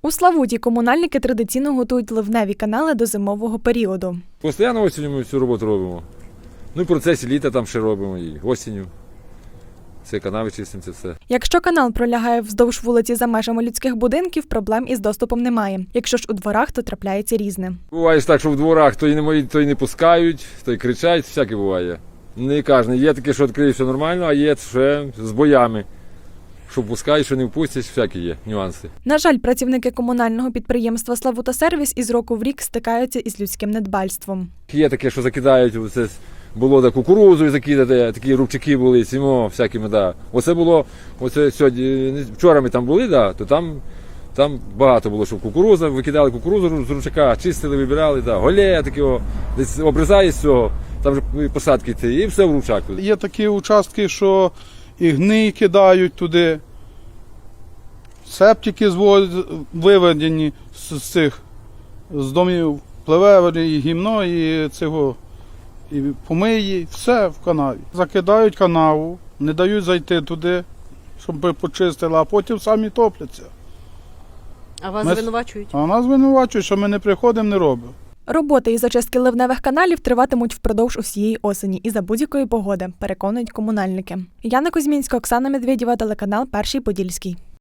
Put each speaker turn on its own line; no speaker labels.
У Славуті комунальники традиційно готують ливневі канали до зимового періоду.
Постійно осінню ми цю роботу робимо. Ну і в процесі літа там ще робимо, і осінню. Це канави чистимо, це все.
Якщо канал пролягає вздовж вулиці за межами людських будинків, проблем із доступом немає. Якщо ж у дворах, то трапляється різне.
Буває ж так, що в дворах то й не пускають, то й кричать, всяке буває. Не кожен. Є таке, що відкриє все нормально, а є ще з боями. Що пускають, що не впустять, всякі є нюанси.
На жаль, працівники комунального підприємства «Славутасервіс» із року в рік стикаються із людським недбальством.
Є таке, що закидають, оце було кукурудзу закидати, такі рубчики були, сімо, всякими, да. Оце було, сьогодні, вчора ми там були, да, то там багато було, що кукурудза, викидали кукурудзу з рубчака, чистили, вибирали, да, голея таке, десь обрізає з цього, там вже посадки йти, і все в рубчак.
Є такі участки, що і гній кидають туди, септики виведені з домів, пливе і гімно, і цього, і помиї, все в канаві. Закидають канаву, не дають зайти туди, щоб почистили, а потім самі топляться.
А вас звинувачують?
А нас звинувачують, що ми не приходимо, не робимо.
Роботи із очистки ливневих каналів триватимуть впродовж усієї осені і за будь-якої погоди, переконують комунальники. Яна Кузьмінська, Оксана Медведєва, телеканал «Перший Подільський».